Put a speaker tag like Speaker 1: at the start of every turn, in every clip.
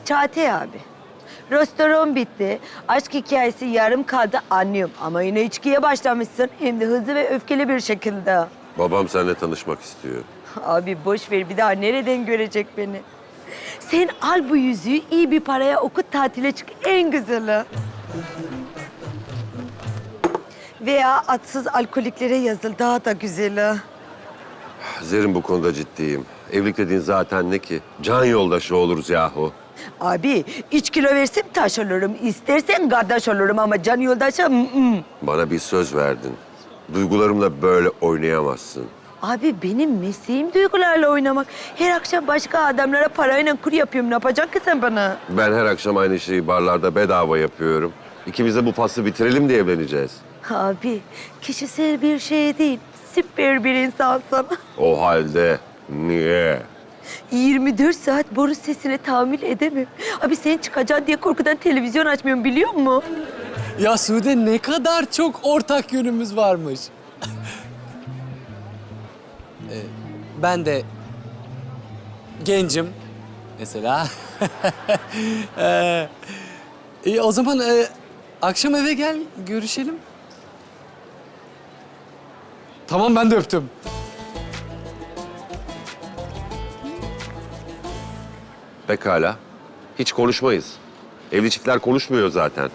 Speaker 1: Çağatay abi. Restoran bitti. Aşk hikayesi yarım kaldı anlıyorum. Ama yine içkiye başlamışsın. Hem de hızlı ve öfkeli bir şekilde.
Speaker 2: Babam seninle tanışmak istiyor.
Speaker 1: Abi boş ver, bir daha nereden görecek beni? Sen al bu yüzüğü, iyi bir paraya okut, tatile çık, en güzeli. Veya atsız alkoliklere yazıl, daha da güzeli.
Speaker 2: Zerrin bu konuda ciddiyim. Evlilik dediğin zaten ne ki? Can yoldaşı oluruz yahu.
Speaker 1: Abi 3 kilo versem taş olurum. İstersen kardeş olurum ama can yoldaşı...
Speaker 2: Bana bir söz verdin. Duygularımla böyle oynayamazsın.
Speaker 1: Abi benim mesleğim duygularla oynamak. Her akşam başka adamlara parayla kur yapıyorum. Ne yapacaksın ki sen bana?
Speaker 2: Ben her akşam aynı şeyi barlarda bedava yapıyorum. İkimiz de bu faslı bitirelim diye evleneceğiz.
Speaker 1: Abi kişisel bir şey değil. Süper bir insansın.
Speaker 2: O halde niye?
Speaker 1: 24 saat boru sesine tahammül edemem. Abi sen çıkacaksın diye korkudan televizyon açmıyorum, biliyor musun?
Speaker 3: Ya Sude, ne kadar çok ortak yönümüz varmış. Ben de gencim mesela. O zaman akşam eve gel, görüşelim. Tamam, ben de öptüm.
Speaker 2: Pekala. Hiç konuşmayız. Evli çiftler konuşmuyor zaten.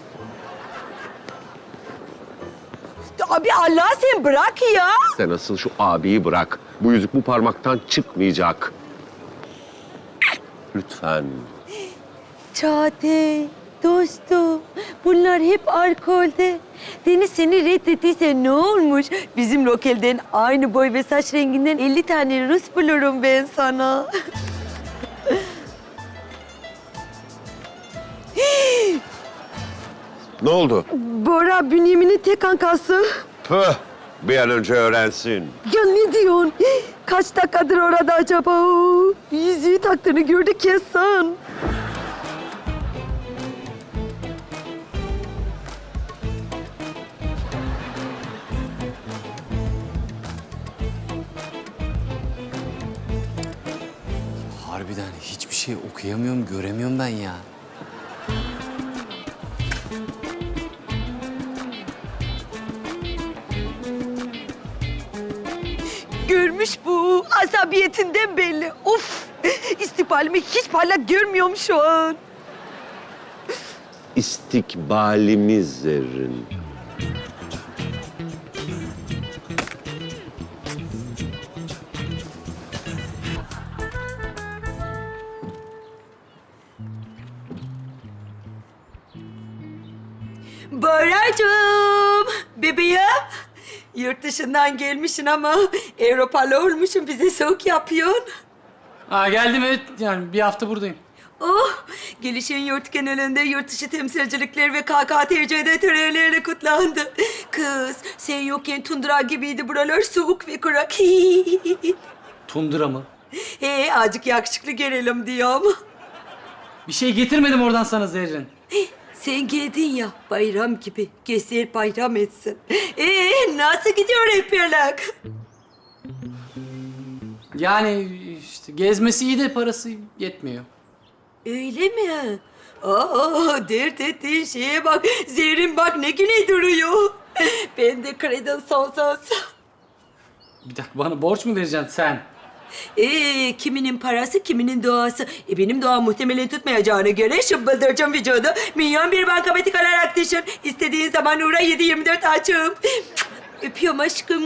Speaker 1: Abi Allah sen bırak ya.
Speaker 2: Sen asıl şu abiyi bırak. Bu yüzük bu parmaktan çıkmayacak. Lütfen.
Speaker 1: Çağatay, dostum. Bunlar hep alkolde. Deniz seni reddettiyse ne olmuş? Bizim lokalden aynı boy ve saç renginden 50 tane Rus bulurum ben sana.
Speaker 2: Ne oldu?
Speaker 1: Bora Bünyamin'in tek kankası.
Speaker 2: Püh! Bir an önce öğrensin.
Speaker 1: Ya ne diyorsun? Kaç dakikadır orada acaba? Yüzüğü taktığını gördük kesin.
Speaker 3: Harbiden hiçbir şey okuyamıyorum, göremiyorum ben ya.
Speaker 1: Görmüş bu. Asabiyetinden belli. Of! İstikbalimi hiç parlak görmüyorum şu an.
Speaker 2: İstikbalimiz Zerrin.
Speaker 1: Boracığım, bebeğim. Yurt dışından gelmişsin ama Avrupalı olmuşsun. Bize soğuk yapıyorsun.
Speaker 4: Geldim, evet. Yani bir hafta buradayım.
Speaker 1: Oh, gelişin yurt genelinde yurt dışı temsilcilikler ve KKTC'de törenlerle kutlandı. Kız, sen yokken tundra gibiydi buralar, soğuk ve kurak.
Speaker 4: Tundra mı?
Speaker 1: Azıcık yakışıklı gelelim diyorum.
Speaker 4: Bir şey getirmedim oradan sana Zerrin.
Speaker 1: Sen geldin ya, bayram gibi. Göster bayram etsin. Nasıl gidiyor rehberlik?
Speaker 4: Yani işte gezmesi iyi de parası yetmiyor.
Speaker 1: Öyle mi? Dert ettiğin şeye bak. Zerrin bak ne güne duruyor. Ben de kredin sonsuz.
Speaker 4: Bir dakika, bana borç mu vereceksin sen?
Speaker 1: Kiminin parası, kiminin doğası. Benim doğam muhtemelen tutmayacağına göre şıbbıldıracağım vücudu. Milyon bir bankamatik alarak düşün. İstediğin zaman uğra 7/24 açım. Öpüyorum aşkım.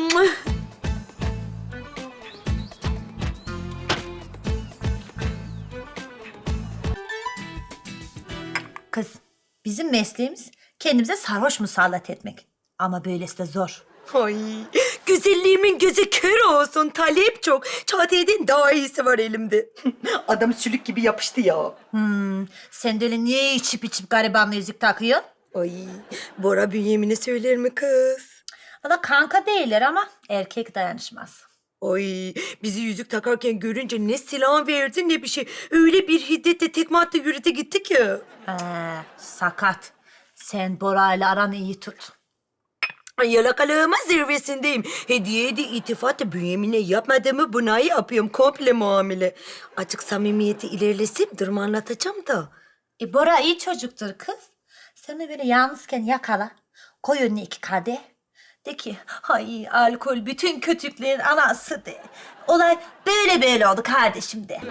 Speaker 5: Kız, bizim mesleğimiz kendimize sarhoş musallat etmek. Ama böylesi de zor.
Speaker 1: Ay, güzelliğimin gözü kör olsun. Talep çok. Çağatay'dan daha iyisi var elimde. Adam sülük gibi yapıştı ya.
Speaker 5: Sen de öyle niye içip içip garibanla yüzük takıyorsun?
Speaker 1: Ay, Bora Bünyamin'e söyler mi kız?
Speaker 5: Valla kanka değiller ama erkek dayanışmaz.
Speaker 1: Ay, bizi yüzük takarken görünce ne silah verdi ne bir şey. Öyle bir hiddetle tekme attı yürüte gitti ki.
Speaker 5: Sakat. Sen Bora'yla aranı iyi tut.
Speaker 1: Ay, yalakalığımın zirvesindeyim. Hediye de itifat da Bünyamin'e yapmadığımı buna yapıyorum. Komple muamele. Açık samimiyeti ilerlesem durumu anlatacağım da.
Speaker 5: Bora iyi çocuktur kız. Sen de böyle yalnızken yakala. Koy önüne 2 kadeh. De ki, ay alkol bütün kötülüklerin anası de. Olay böyle oldu kardeşim de.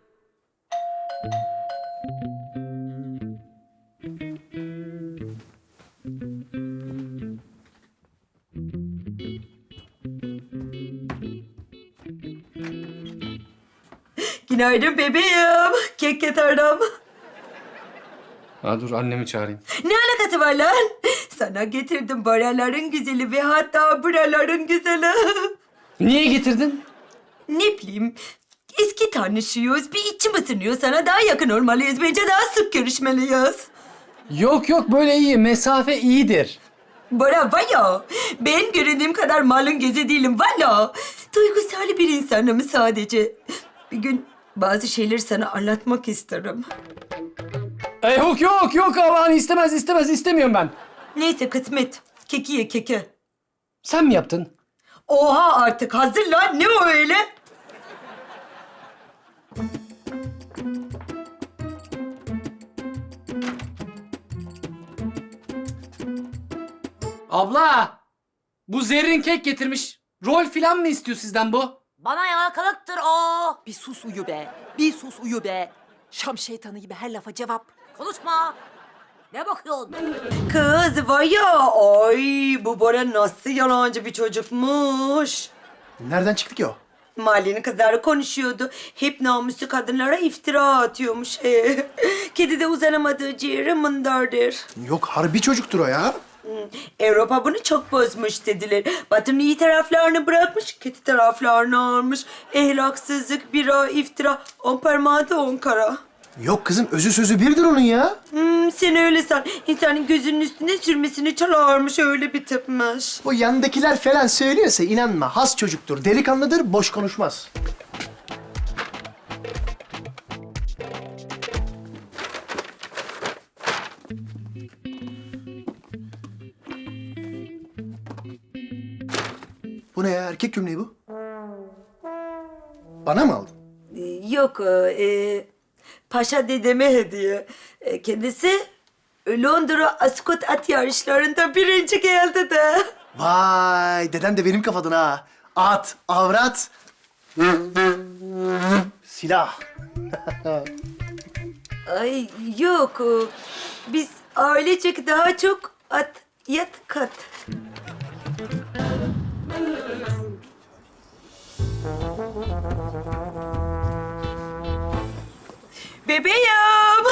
Speaker 1: Günaydın bebeğim. Kek getirdim.
Speaker 3: Ha dur annemi çağırayım.
Speaker 1: Ne alakası var lan? Sana getirdim buraların güzeli ve hatta buraların güzeli.
Speaker 3: Niye getirdin?
Speaker 1: Ne bileyim, eski tanışıyoruz. Bir içim ısınıyor. Sana daha yakın olmalıyız. Bence daha sık görüşmeliyiz.
Speaker 3: Yok böyle iyi. Mesafe iyidir.
Speaker 1: Bora vaya, ben göründüğüm kadar malın gözü değilim valla. Duygusal bir insanım sadece. Bir gün bazı şeyleri sana anlatmak isterim.
Speaker 3: Yok aman istemiyorum ben.
Speaker 1: Neyse kısmet. Keki ye keki.
Speaker 3: Sen mi yaptın?
Speaker 1: Oha artık hazır lan. Ne o öyle?
Speaker 3: Abla! Bu Zerrin kek getirmiş. Rol filan mı istiyor sizden bu?
Speaker 6: Bana yalakalıktır o.
Speaker 7: Bir sus uyu be. Bir sus uyu be. Şam şeytanı gibi her lafa cevap.
Speaker 6: Konuşma. Ne bakıyorsun?
Speaker 1: Kız var ya, ay bu Bora nasıl yalancı bir çocukmuş.
Speaker 8: Nereden çıktı ki o?
Speaker 1: Mahallenin kızları konuşuyordu. Hep namuslu kadınlara iftira atıyormuş. Kedi de uzanamadığı ciğeri mındardır.
Speaker 8: Yok harbi çocuktur o ya.
Speaker 1: Avrupa bunu çok bozmuş dediler. Batı'nın iyi taraflarını bırakmış, kötü taraflarını almış. Ehlaksızlık, bira, iftira, 10 parmağı da 10 kara.
Speaker 8: Yok kızım özü sözü birdir onun ya.
Speaker 1: Sen öyle san. İnsanın gözünün üstüne sürmesini çalarmış, öyle bir tipmiş.
Speaker 8: O yandakiler falan söylüyorsa inanma. Has çocuktur, delikanlıdır, boş konuşmaz. Bu ne ya? Erkek gömleği bu. Bana mı aldın?
Speaker 1: Yok, Paşa dedeme hediye. Kendisi Londra Ascot at yarışlarında birinci geldi de.
Speaker 8: Vay, deden de benim kafadan ha. At, avrat, silah.
Speaker 1: Ay yok, biz ailecek daha çok at, yat, kat. Bebeğim,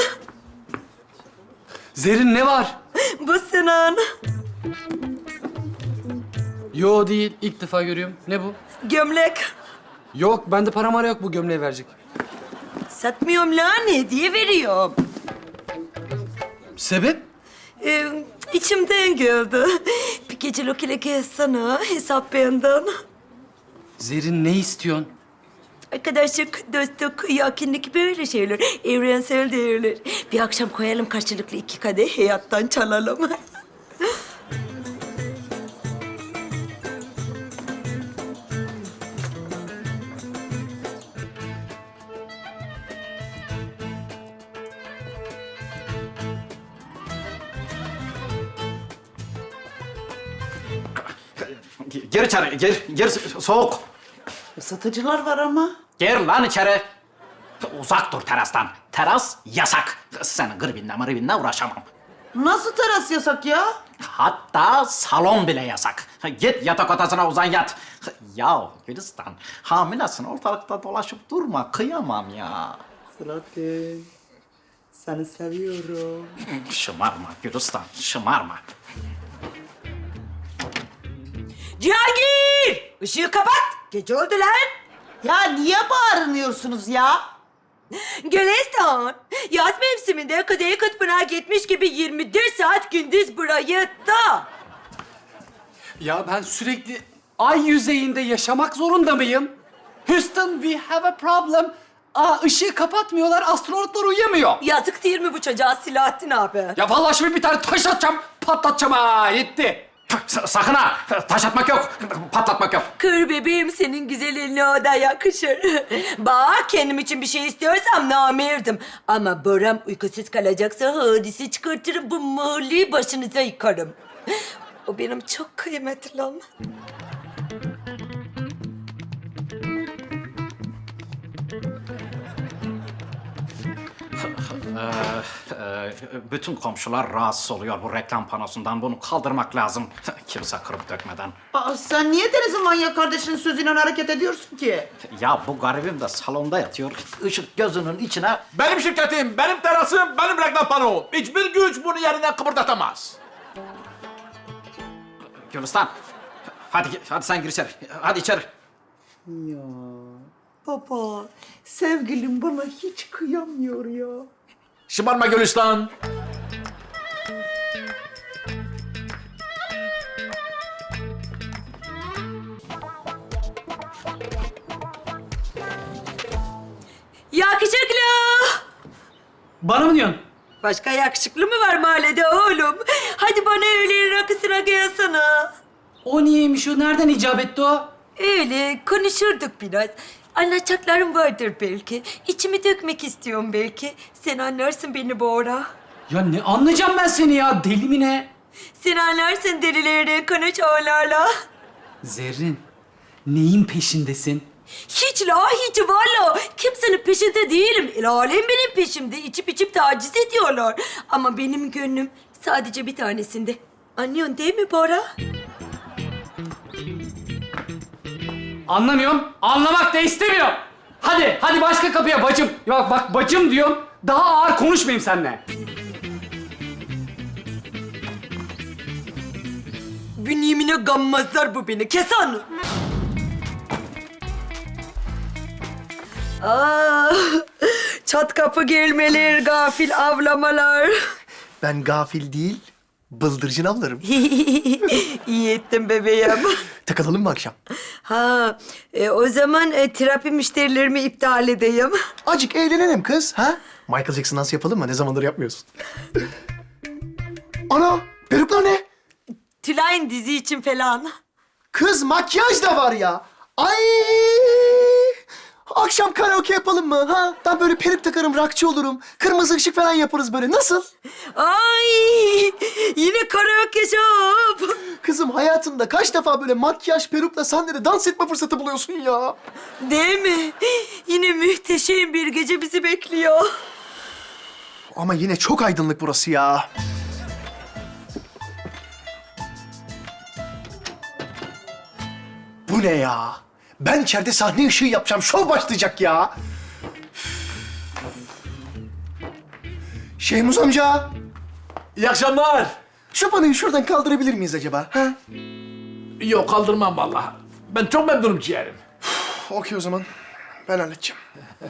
Speaker 3: Zerrin ne var?
Speaker 1: bu Sinan.
Speaker 3: Yo değil. İlk defa görüyorum. Ne bu?
Speaker 1: Gömlek.
Speaker 3: Yok bende para mara yok bu gömleği verecek.
Speaker 1: Satmıyorum lan, hediye veriyorum.
Speaker 3: Sebep?
Speaker 1: İçimden geldi. Bir gece lokile sana, hesap benden.
Speaker 3: Zerrin ne istiyorsun?
Speaker 1: Arkadaşlık, dostluk, yakınlık böyle şeyler. Evrensel değerler. Bir akşam koyalım karşılıklı 2 kadeh, hayattan çalalım.
Speaker 9: Gir içeri, gir soğuk.
Speaker 7: Satıcılar var ama.
Speaker 9: Gir lan içeri. Uzak dur terastan. Teras yasak. Senin gırbinle uğraşamam.
Speaker 7: Nasıl teras yasak ya?
Speaker 9: Hatta salon bile yasak. Git yatak odasına uzan yat. Ya Gülistan, hamilesin ortalıkta dolaşıp durma. Kıyamam ya.
Speaker 7: Fırat'ı seni seviyorum.
Speaker 9: Şımarma Gülistan, şımarma.
Speaker 1: Cihangir! Işığı kapat! Gece oldu lan!
Speaker 7: Ya niye bağırıyorsunuz ya?
Speaker 1: Gülistan, yaz mevsiminde Kuzey Kutbu'na gitmiş gibi 24 saat gündüz burayı da.
Speaker 3: Ya ben sürekli ay yüzeyinde yaşamak zorunda mıyım? Houston, we have a problem. Işığı kapatmıyorlar, astronotlar uyuyamıyor.
Speaker 1: Yazık değil mi bu çocuğa Silahattin abi?
Speaker 3: Ya vallahi şimdi bir tane taş atacağım, patlatacağım ha, yetti.
Speaker 9: Sakın ha! Taş atmak yok, patlatmak yok.
Speaker 1: Kır bebeğim, senin güzel eline o da yakışır. Bak, kendim için bir şey istiyorsam namerdim. Ama Boram uykusuz kalacaksa hadise çıkartırım, bu mahalleyi başınıza yıkarım. O benim çok kıymetli lan.
Speaker 9: Bütün komşular rahatsız oluyor bu reklam panosundan. Bunu kaldırmak lazım. Kimse kırıp dökmeden.
Speaker 10: Aa, sen niye Deniz'in manyak kardeşinin sözüyle hareket ediyorsun ki?
Speaker 9: Ya bu garibim de salonda yatıyor. Işık gözünün içine...
Speaker 11: Benim şirketim, benim terasım, benim reklam panom. Hiçbir güç bunu yerinden kıpırdatamaz.
Speaker 9: Gülistan, hadi sen gir içeri. Hadi içeri.
Speaker 10: Baba, sevgilim bana hiç kıyamıyor ya.
Speaker 11: Şımarma Gülistan.
Speaker 1: Yakışıklı!
Speaker 4: Bana mı diyorsun?
Speaker 1: Başka yakışıklı mı var mahallede oğlum? Hadi bana öğleyin rakısına gelsene.
Speaker 4: O niyeymiş o? Nereden icap etti o?
Speaker 1: Öyle konuşurduk biraz. Anlatacaklarım vardır belki. İçimi dökmek istiyorum belki. Sen anlarsın beni Bora.
Speaker 4: Ya ne anlayacağım ben seni ya? Deli mi ne?
Speaker 1: Sen anlarsın delilerden konuş onlarla.
Speaker 4: Zerrin, neyin peşindesin?
Speaker 1: Hiç la hiç valla. Kimsenin peşinde değilim. El alem benim peşimde. İçip taciz ediyorlar. Ama benim gönlüm sadece bir tanesinde. Anlıyorsun değil mi Bora?
Speaker 4: Anlamıyorum, anlamak da istemiyorum. Hadi başka kapıya bacım. Ya bak bacım diyorum, daha ağır konuşmayayım seninle.
Speaker 1: Bünyemine gammazlar bu beni. Kes onu. Çat kapı gelmeler, gafil avlamalar.
Speaker 8: Ben gafil değil, bıldırcın avlarım.
Speaker 1: İyi ettin bebeğim.
Speaker 8: Takılalım mı akşam?
Speaker 1: O zaman terapi müşterilerimi iptal edeyim.
Speaker 8: Acık eğlenelim kız, ha? Michael Jackson dans yapalım mı? Ne zamandır yapmıyorsun. Ana, peruklar ne?
Speaker 1: Tülay'ın dizi için falan.
Speaker 8: Kız makyaj da var ya. Ay! Akşam karaoke yapalım mı? Ha? Ben böyle peruk takarım, rockçı olurum. Kırmızı ışık falan yaparız böyle. Nasıl?
Speaker 1: Ay! Yine karaoke shop.
Speaker 8: Kızım hayatında kaç defa böyle makyaj, perukla sahnede dans etme fırsatı buluyorsun ya?
Speaker 1: Değil mi? Yine muhteşem bir gece bizi bekliyor.
Speaker 8: Ama yine çok aydınlık burası ya. Bu ne ya? Ben içeride sahne ışığı yapacağım. Şov başlayacak ya. Şehmuz amca,
Speaker 11: İyi akşamlar.
Speaker 8: şu panoyu şuradan kaldırabilir miyiz acaba? Ha?
Speaker 11: Yok kaldırmam vallahi. Ben çok memnunum ciğerim.
Speaker 8: Okey o zaman. Ben halledeceğim.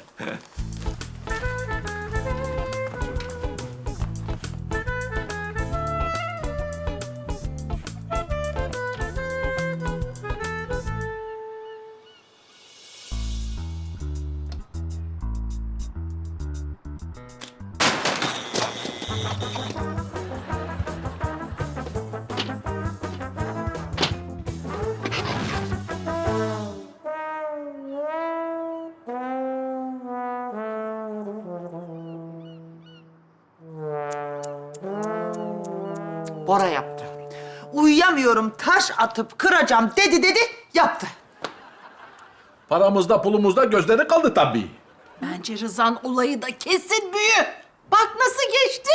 Speaker 10: Bora yaptı. Uyuyamıyorum, taş atıp kıracağım dedi, yaptı.
Speaker 11: Paramızda pulumuzda gözleri kaldı tabii.
Speaker 7: Bence Rıza'nın olayı da kesin büyü. Bak nasıl geçti.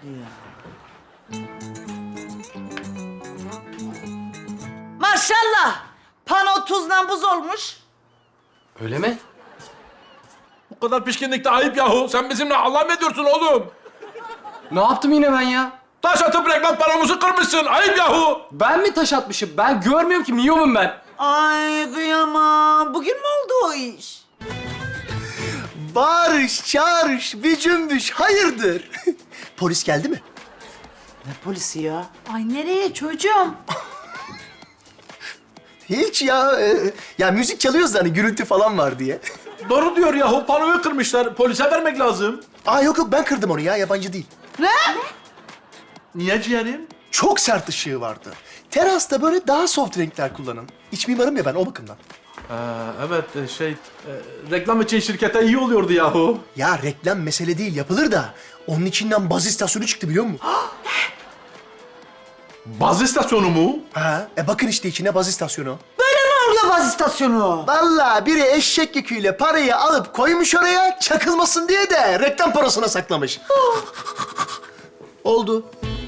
Speaker 10: Maşallah, pano tuzla buz olmuş.
Speaker 4: Öyle mi?
Speaker 11: Bu kadar pişkinlikte ayıp yahu. Sen bizimle Allah mı ediyorsun oğlum?
Speaker 4: Ne yaptım yine ben ya?
Speaker 11: Taş atıp reklam paramızı kırmışsın. Ayıp yahu.
Speaker 4: Ben mi taş atmışım? Ben görmüyorum ki, miyomum ben.
Speaker 10: Ay kıyamam, bugün mü oldu o iş?
Speaker 8: Bağırış, çağırış, bir cümbüş. Hayırdır? Polis geldi mi?
Speaker 10: Ne polisi ya?
Speaker 7: Ay nereye çocuğum?
Speaker 8: Hiç ya. Ya müzik çalıyoruz da hani gürültü falan var diye.
Speaker 11: Doğru diyor yahu. Panoyu kırmışlar. Polise vermek lazım.
Speaker 8: Aa yok ben kırdım onu ya, yabancı değil.
Speaker 11: Niye ciğerim?
Speaker 8: Çok sert ışığı vardı. Terasta böyle daha soft renkler kullanın. İç mimarım ya ben o bakımdan.
Speaker 11: Evet reklam için şirkete iyi oluyordu yahu.
Speaker 8: Ya reklam mesele değil yapılır da onun içinden baz istasyonu çıktı biliyor musun?
Speaker 11: Baz istasyonu mu?
Speaker 8: Ha, bakın işte içine baz istasyonu.
Speaker 10: Orla baz istasyonu.
Speaker 8: Vallahi biri eşek yüküyle parayı alıp koymuş oraya çakılmasın diye de reklam parasına saklamış. Oldu.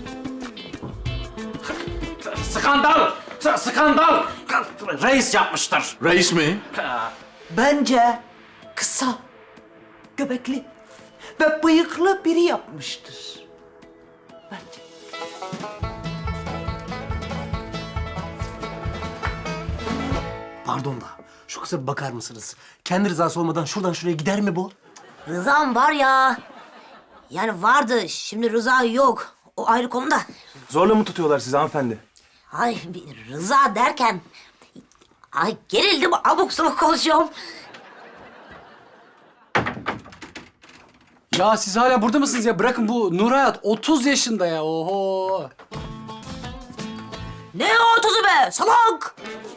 Speaker 9: Skandal! Skandal! Reis yapmıştır.
Speaker 11: Reis mi?
Speaker 10: Bence kısa, göbekli ve bıyıklı biri yapmıştır. Bence.
Speaker 8: Pardon da şu kıza bir bakar mısınız? Kendi rızası olmadan şuradan şuraya gider mi bu?
Speaker 6: Rızam var ya. Yani vardı. Şimdi Rıza yok. O ayrı konuda.
Speaker 12: Zorla mı tutuyorlar sizi hanımefendi?
Speaker 6: Ay bir Rıza derken... Ay gerildim. Abuk sabuk konuşuyorum.
Speaker 4: Ya siz hala burada mısınız ya? Bırakın bu Nur Hayat 30 yaşında ya. Oho.
Speaker 6: Ne 30'u be salak!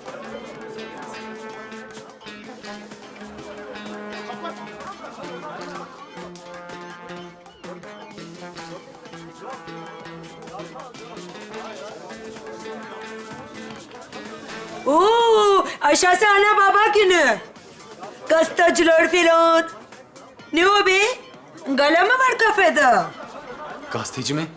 Speaker 1: Oo, aşağısı ana baba günü. Gazeteciler falan. Ne o be? Gala mı var kafede?
Speaker 4: Gazeteci mi?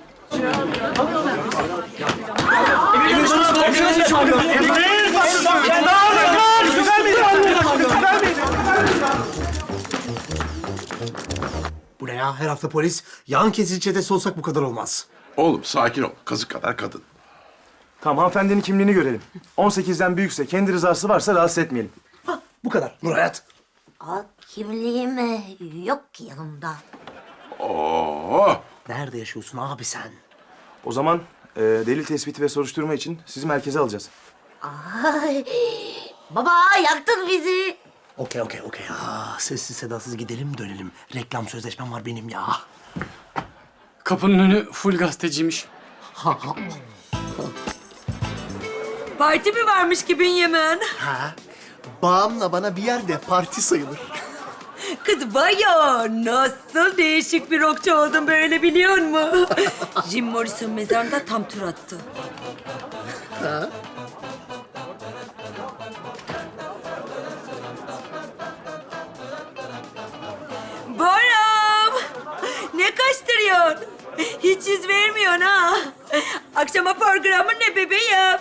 Speaker 8: Bu ne ya? Her hafta polis. Yan kesici çetesi olsak bu kadar olmaz.
Speaker 11: Oğlum sakin ol. Kazık kadar kadın.
Speaker 12: Tamam, hanımefendinin kimliğini görelim. 18'den büyükse, kendi rızası varsa rahatsız etmeyelim.
Speaker 8: Bu kadar. Nur Hayat.
Speaker 6: Aa, kimliğim yok ki yanımda.
Speaker 11: Oo.
Speaker 8: Nerede yaşıyorsun abi sen?
Speaker 12: O zaman delil tespiti ve soruşturma için sizi merkeze alacağız.
Speaker 6: Ay, baba yaktın bizi.
Speaker 8: Okey. Sessiz sedasız gidelim dönelim. Reklam sözleşmem var benim ya.
Speaker 4: Kapının önü full gazeteciymiş.
Speaker 1: Parti mi varmış ki Bünyamin?
Speaker 8: Ha? Bağımla bana bir yerde parti sayılır.
Speaker 1: Kız vay ya, nasıl değişik bir rockçu oldun böyle biliyor musun? Jim Morrison mezarında tam tur attı.
Speaker 8: Ha?
Speaker 1: Boram! Ne kaçtırıyorsun? Hiç yüz vermiyorsun ha. Akşama programın ne bebeğim?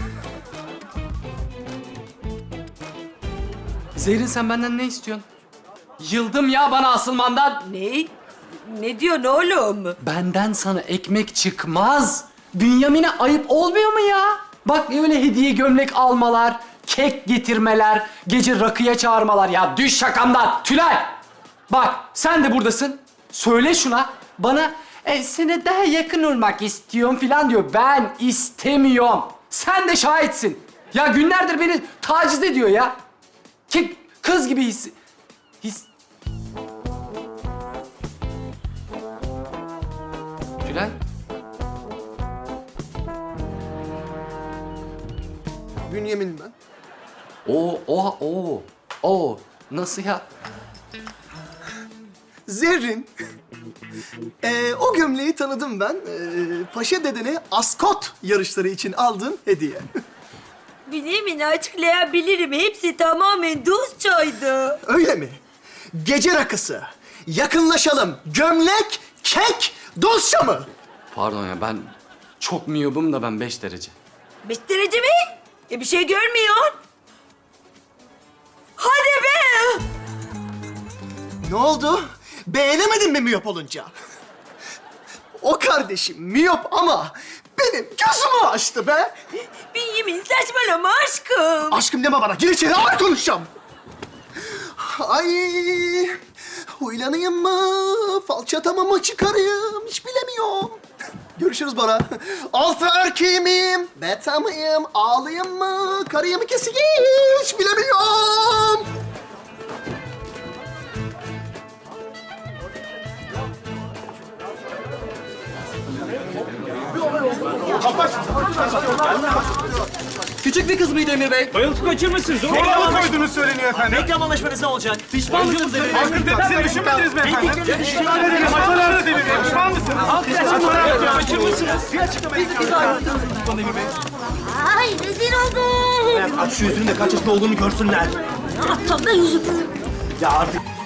Speaker 4: Zehrin sen benden ne istiyorsun? Yıldım ya bana asılmandan.
Speaker 1: Ne? Ne diyorsun oğlum?
Speaker 4: Benden sana ekmek çıkmaz. Bünyamin'e ayıp olmuyor mu ya? Bak öyle hediye gömlek almalar, kek getirmeler, gece rakıya çağırmalar. Ya düş şakamdan. Tülay! Bak sen de buradasın. Söyle şuna. Bana sana daha yakın olmak istiyorum falan diyor. Ben istemiyorum. Sen de şahitsin. Ya günlerdir beni taciz ediyor ya. Kız gibi Tülay?
Speaker 8: Bünyamin ben.
Speaker 4: Oo. Nasıl ya?
Speaker 8: Zerrin. O gömleği tanıdım ben. Paşa dedene askot yarışları için aldığın hediye.
Speaker 1: Bünyamin açıklayabilirim. Hepsi tamamen dostçaydı.
Speaker 8: Öyle mi? Gece rakısı. Yakınlaşalım. Gömlek, kek, dostça mı?
Speaker 4: Pardon ya ben çok miyobum da ben 5 derece.
Speaker 1: 5 derece mi? Bir şey görmüyorsun. Hadi be!
Speaker 8: Ne oldu? Beğenemedin mi miyop olunca? O kardeşim miyop ama benim gözümü açtı be.
Speaker 1: Bünyamin saçmalama aşkım.
Speaker 8: Aşkım deme bana. Gir içeri ağır konuşacağım. Ay, huylanayım mı? Falçatama mı çıkarayım? Hiç bilemiyorum. Görüşürüz Bora. Alfa erkeği miyim? Beta mıyım? Ağlayayım mı? Karıyı mı keseyim? Hiç bilemiyorum.
Speaker 3: Küçük bir kız mıydı Emir Bey?
Speaker 11: Bayıltıp kaçırmışsınız.
Speaker 12: Zorla koydunuz söyleniyor efendim.
Speaker 11: Reklam anlaşmanız ne olacak?
Speaker 3: Pişman mısınız Emir Bey?
Speaker 12: Siz düşünmediniz mi efendim? Açıklarınızı dinleyin. Pişman mısınız?
Speaker 11: Kaçırmışsınız.
Speaker 6: Ay rezil oldum.
Speaker 11: Aç şu yüzünü de kaç yaşında olduğunu görsünler.
Speaker 6: Ne yapacağım ben yüzümü?
Speaker 11: Ya artık